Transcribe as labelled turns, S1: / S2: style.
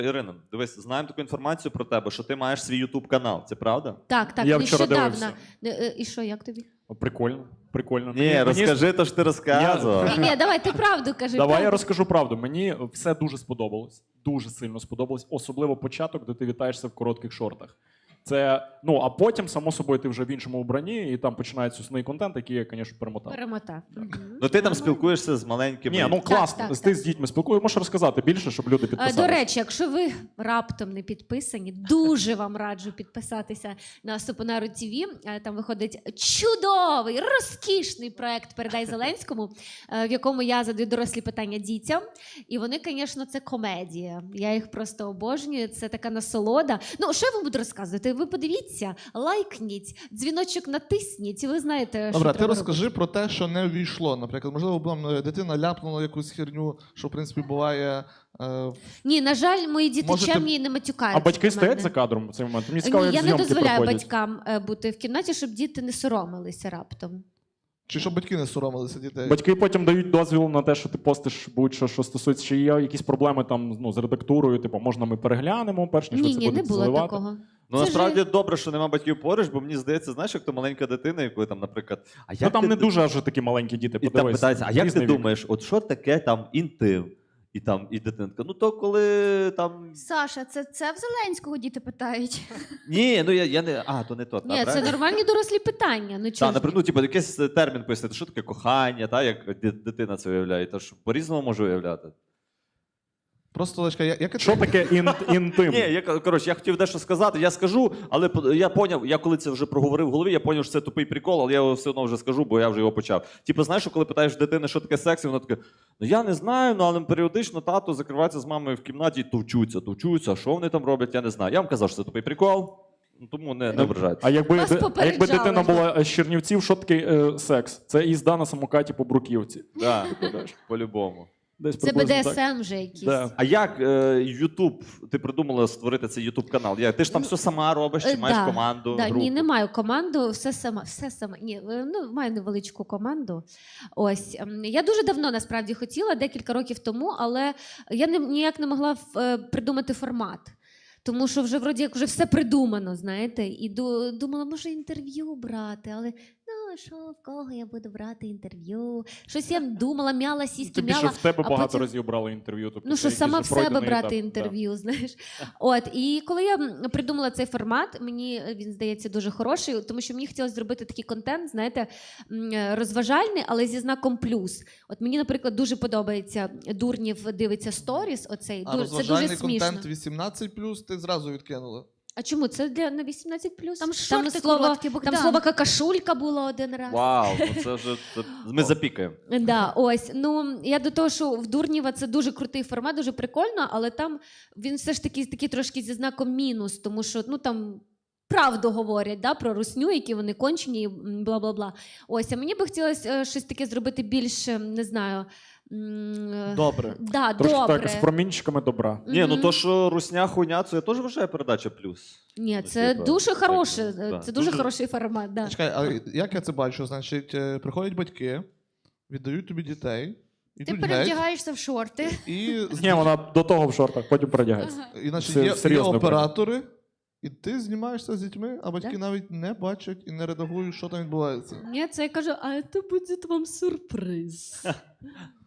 S1: Ірино, дивись, знаємо таку інформацію про тебе, що ти маєш свій YouTube-канал. Це правда?
S2: Так,
S3: Я вчора
S2: нещодавно. І що, як тобі?
S3: Прикольно, прикольно.
S1: Ні, розкажи то, що ти розказував.
S2: Ні, давай, ти правду кажи.
S3: Давай
S2: правду.
S3: я розкажу правду. Мені все дуже сподобалось. Дуже сильно сподобалось. Особливо початок, де ти вітаєшся в коротких шортах. Це, а потім, само собою, ти вже в іншому вбранні, і там починається основний контент, який я, звісно, перемотав.
S2: Перемотав.
S1: Ну ти там спілкуєшся з маленькими...
S3: Ні, класно.
S2: Так,
S3: Ти з дітьми спілкуєшся. Можеш розказати більше, щоб люди підписалися.
S2: До речі, якщо ви раптом не підписані, дуже вам раджу підписатися на Супонару ТВ. Там виходить чудовий, розкішний проект «Передай Зеленському», в якому я задаю дорослі питання дітям. І вони, звісно, це комедія. Я їх просто обожнюю. Це така насолода. Ну, що я вам буду розказувати? Ви подивіться, лайкніть, дзвіночок натисніть, і ви знаєте, що
S4: Добре, ти
S2: треба
S4: розкажи
S2: робити.
S4: про те, що не увійшло. Наприклад, можливо, дитина ляпнула якусь херню, що, в принципі, буває...
S2: Ні, на жаль, мої діти
S4: Можете-
S2: чемні і не матюкаються.
S3: А батьки
S2: на
S3: стоять
S2: мене.
S3: за кадром в цей момент? Мені цікаво,
S2: Ні,
S3: як
S2: я не
S3: зйомки
S2: дозволяю
S3: проходять.
S2: батькам бути в кімнаті, щоб діти не соромилися раптом.
S4: Чи щоб батьки не соромилися дітей?
S3: Батьки потім дають дозвіл на те, що ти постиш будь-що, що стосується, чи є якісь проблеми там, з редактурою, типу, можна ми переглянемо, перш ніж ви це
S2: Ні, не
S3: будете
S2: було
S3: заливати?
S2: такого.
S1: Ну,
S2: Це
S1: насправді
S2: ж-
S1: добре, що нема батьків поруч, бо мені здається, знаєш, як то маленька дитина, яку там, наприклад... А як
S3: Там
S1: ти-
S3: не дуже аж такі маленькі діти,
S1: І там
S3: подивись.
S1: питається, а як ти
S3: Різний вік.
S1: думаєш, от що таке там інтим? І дитинка, ну то коли там...
S5: Саша, це в Зеленського діти питають.
S1: Ні, ну я не... А, то не то.
S2: Ні, це нормальні дорослі питання. Ну, чого
S1: Так,
S2: ж
S1: наприклад, ну, типу, якийсь термін пояснити, що таке кохання, та, як дитина це уявляє, тож по-різному може уявляти.
S4: Просто, Олечка, як
S3: Що таке інтим?
S1: Ні, я хотів дещо сказати, я скажу, але я поняв, я коли це вже проговорив в голові, я поняв, що це тупий прикол, але я його все одно вже скажу, бо я вже його почав. Типу, знаєш, коли питаєш дитини, що таке секс, і вона така, ну я не знаю, ну але періодично тато закривається з мамою в кімнаті і товчуться, а що вони там роблять, я не знаю. Я вам казав, що це тупий прикол, ну, тому не ображайте.
S3: А якби
S2: Вас
S3: дитина була з Чернівців, що таке секс? Це їзда на самокаті по Бруківці.
S1: Да, по-любому.
S3: Десь
S2: Це
S3: приблизно так.
S2: БДСМ вже якийсь.
S3: Да.
S1: А як Ютуб, ти придумала створити цей Ютуб-канал? Ти ж там все сама робиш, чи маєш команду, групу?
S2: Ні, не маю команду, все сама. Ні, маю невеличку команду. Ось. Я дуже давно, насправді, хотіла, декілька років тому, але я ніяк не могла придумати формат. Тому що вже, вроді, як вже все придумано, знаєте, і думала, може інтерв'ю брати, але що, в кого я буду брати інтерв'ю? Щось я думала, мяла, сіськи,
S3: Тим більше
S2: мяла.
S3: в тебе
S2: а
S3: багато
S2: потім-
S3: разів брали інтерв'ю. Тобто
S2: Ну,
S3: це
S2: що
S3: якийсь
S2: сама
S3: вже
S2: в себе
S3: пройдений
S2: брати
S3: етап.
S2: інтерв'ю, знаєш. От, і коли я придумала цей формат, мені він здається дуже хороший, тому що мені хотілося зробити такий контент, знаєте, розважальний, але зі знаком плюс. От мені, наприклад, дуже подобається Дурнів дивиться сторіс, оцей.
S4: А
S2: Це дуже
S4: розважальний
S2: смішно.
S4: контент 18+, ти зразу відкинула.
S2: А чому? Це на 18+.
S5: Там шорти
S2: слово,
S5: короткі,
S2: там
S5: Богдан.
S2: слово какашулька було один раз.
S1: Вау, ну це вже ми запікаємо.
S2: Да, ось. Ну, я до того, що в Дурнєва це дуже крутий формат, дуже прикольно, але там він все ж таки такий трошки зі знаком мінус, тому що там правду говорять, да, про русню, які вони кончені і бла-бла-бла. Ось, а мені би хотілося щось таке зробити більш, не знаю...
S4: Добре.
S2: Да,
S3: Трошки
S2: добре.
S3: так, з промінчиками добра.
S1: Ні, ну то, що русня хуйня, це я теж вважаю передача плюс.
S2: Ні,
S1: Ну,
S2: це
S1: типа,
S2: дуже
S1: так,
S2: хороше,
S1: да.
S2: це дуже хороший формат, да.
S4: Чекай, а як я це бачу? Значить, приходять батьки, віддають тобі дітей,
S5: Ти
S4: ідуть геть,
S5: перевдягаєшся в шорти.
S4: і,
S3: Ні, вона до того в шортах, потім передягається.
S4: і значить,
S3: Це
S4: є
S3: серйозно
S4: оператори, і ти знімаєшся з дітьми, а батьки
S2: Да.
S4: навіть не бачать і не редагують, що там відбувається.
S2: Ні, це я кажу, а це буде вам сюрприз.